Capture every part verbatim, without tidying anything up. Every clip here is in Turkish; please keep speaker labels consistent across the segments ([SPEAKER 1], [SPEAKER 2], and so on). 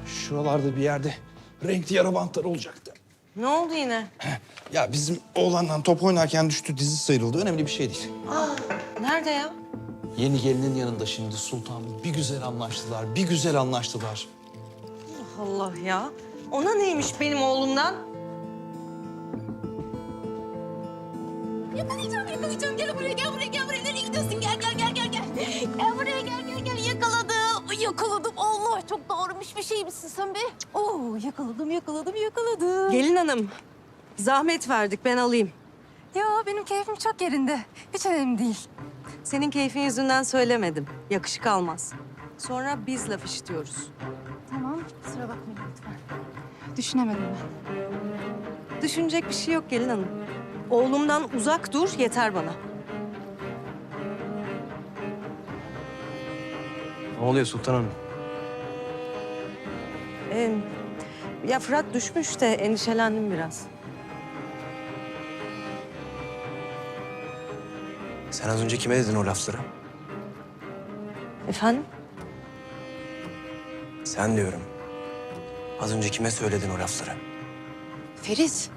[SPEAKER 1] Şuralarda bir yerde renkli yara bantları olacaktı.
[SPEAKER 2] Ne oldu yine?
[SPEAKER 1] Ya bizim oğlanla top oynarken düştü, dizi sıyrıldı. Önemli bir şey değil.
[SPEAKER 2] Nerede ya?
[SPEAKER 1] Yeni gelinin yanında şimdi Sultan. Bir güzel anlaştılar, bir güzel anlaştılar.
[SPEAKER 2] Allah ya. Ona neymiş benim oğlumdan?
[SPEAKER 3] Yakalayacağım, yakalayacağım. Gel buraya, gel buraya, gel buraya. Nereye gidiyorsun? Gel, gel, gel, gel, gel. Gel buraya, gel, gel, gel. Yakaladım. Ay, yakaladım. Allah, çok doğramış bir şey misin sen be? Oo, yakaladım, yakaladım, yakaladım.
[SPEAKER 2] Gelin hanım. Zahmet verdik, ben alayım.
[SPEAKER 3] Ya benim keyfim çok yerinde. Hiç önemli değil.
[SPEAKER 2] Senin keyfin yüzünden söylemedim. Yakışık almaz. Sonra biz laf işitiyoruz.
[SPEAKER 3] Tamam, kusura bakmayın lütfen. Düşünemedim ben.
[SPEAKER 2] Düşünecek bir şey yok gelin hanım. Oğlumdan uzak dur, yeter bana.
[SPEAKER 4] Ne oluyor Sultan Hanım?
[SPEAKER 2] Ee, ya Fırat düşmüş de endişelendim biraz.
[SPEAKER 4] Sen az önce kime dedin o lafları?
[SPEAKER 2] Efendim?
[SPEAKER 4] Sen diyorum. Az önce kime söyledin o lafları?
[SPEAKER 3] Ferit.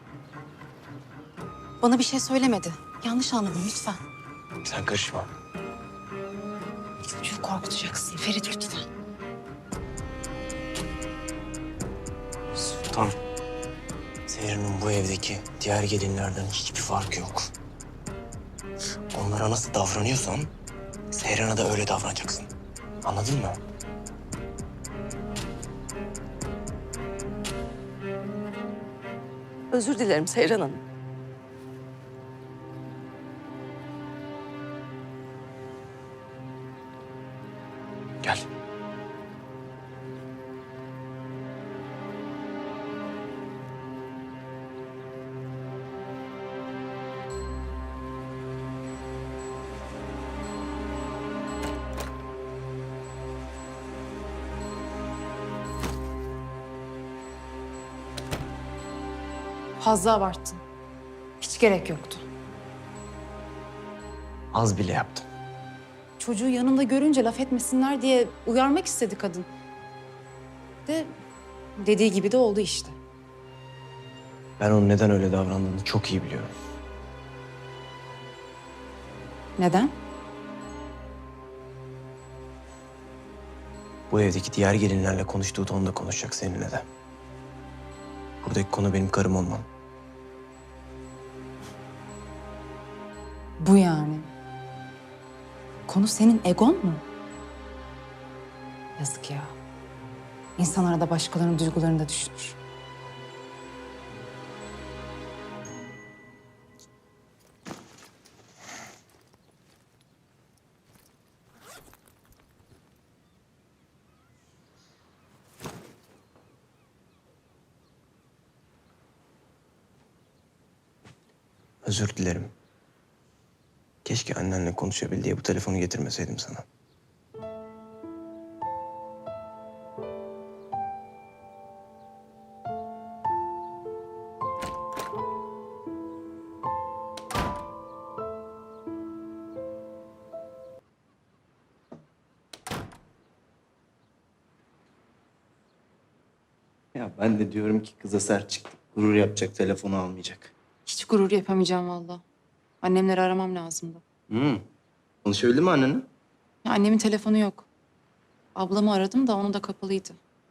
[SPEAKER 3] Bana bir şey söylemedi. Yanlış anladın lütfen.
[SPEAKER 4] Sen karışma.
[SPEAKER 3] Çocuğu korkutacaksın Ferit lütfen.
[SPEAKER 4] Sultan. Seher'in bu evdeki diğer gelinlerden hiçbir farkı yok. Onlara nasıl davranıyorsan Seher'e de öyle davranacaksın. Anladın mı?
[SPEAKER 2] Özür dilerim Seyran Hanım.
[SPEAKER 4] Gel.
[SPEAKER 5] Fazla abarttın. Hiç gerek yoktu.
[SPEAKER 4] Az bile yaptım.
[SPEAKER 5] Çocuğu yanında görünce laf etmesinler diye uyarmak istedi kadın. De dediği gibi de oldu işte.
[SPEAKER 4] Ben onun neden öyle davrandığını çok iyi biliyorum.
[SPEAKER 5] Neden?
[SPEAKER 4] Bu evdeki diğer gelinlerle konuştuğu tonda konuşacak seninle de. Buradaki konu benim karım olmam.
[SPEAKER 5] Bu yani. Konu senin egon mu? Yazık ya. İnsan arada başkalarının duygularını da düşünür.
[SPEAKER 4] Özür dilerim. Keşke annenle konuşabil diye bu telefonu getirmeseydim sana.
[SPEAKER 6] Ya ben de diyorum ki kıza sert çıktı. Gurur yapacak, telefonu almayacak.
[SPEAKER 5] Hiç gurur yapamayacağım vallahi. Annemleri aramam lazımdı.
[SPEAKER 6] Hmm. Konuşabildin mi annenle?
[SPEAKER 5] Ya annemin telefonu yok. Ablamı aradım da onu da kapalıydı.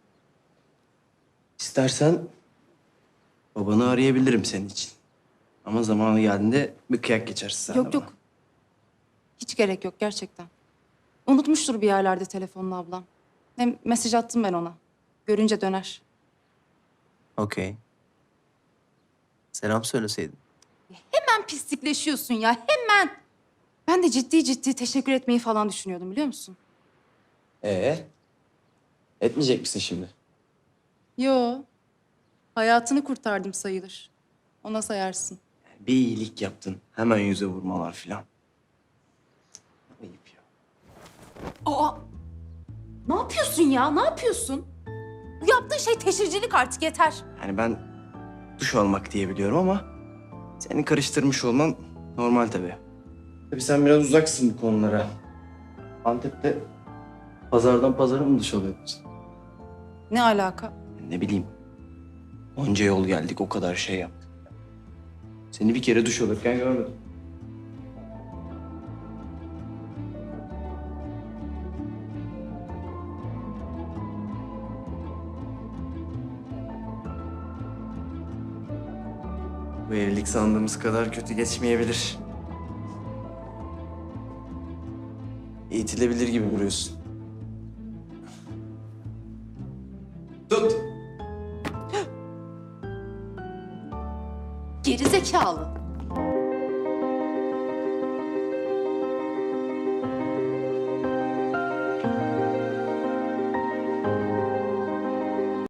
[SPEAKER 6] İstersen babanı arayabilirim senin için. Ama zamanı geldiğinde bir kıyak geçersin sen de
[SPEAKER 5] Yok
[SPEAKER 6] bana.
[SPEAKER 5] yok. Hiç gerek yok gerçekten. Unutmuştur bir yerlerde telefonunu ablam. Hem mesaj attım ben ona. Görünce döner.
[SPEAKER 6] Okey. Selam söyleseydin.
[SPEAKER 5] Hemen pislikleşiyorsun ya hemen. Ben de ciddi ciddi teşekkür etmeyi falan düşünüyordum biliyor musun?
[SPEAKER 6] Ee? Etmeyecek misin şimdi?
[SPEAKER 5] Yo. Hayatını kurtardım sayılır. Ona sayarsın.
[SPEAKER 6] Bir iyilik yaptın. Hemen yüze vurmalar filan. Ayıp ya.
[SPEAKER 5] Aa! Ne yapıyorsun ya? Ne yapıyorsun? Bu yaptığın şey teşhircilik artık yeter.
[SPEAKER 6] Yani ben duş almak diye biliyorum ama seni karıştırmış olman normal tabii. Tabii sen biraz uzaksın bu konulara. Antep'te pazardan pazara mı duş alıyordun?
[SPEAKER 5] Ne alaka?
[SPEAKER 6] Ne bileyim. Onca yol geldik, o kadar şey yaptık. Seni bir kere duş alırken görmedim. Bu evlilik sandığımız kadar kötü geçmeyebilir. Eğitilebilir gibi duruyorsun. Tut.
[SPEAKER 5] Gerizekalı.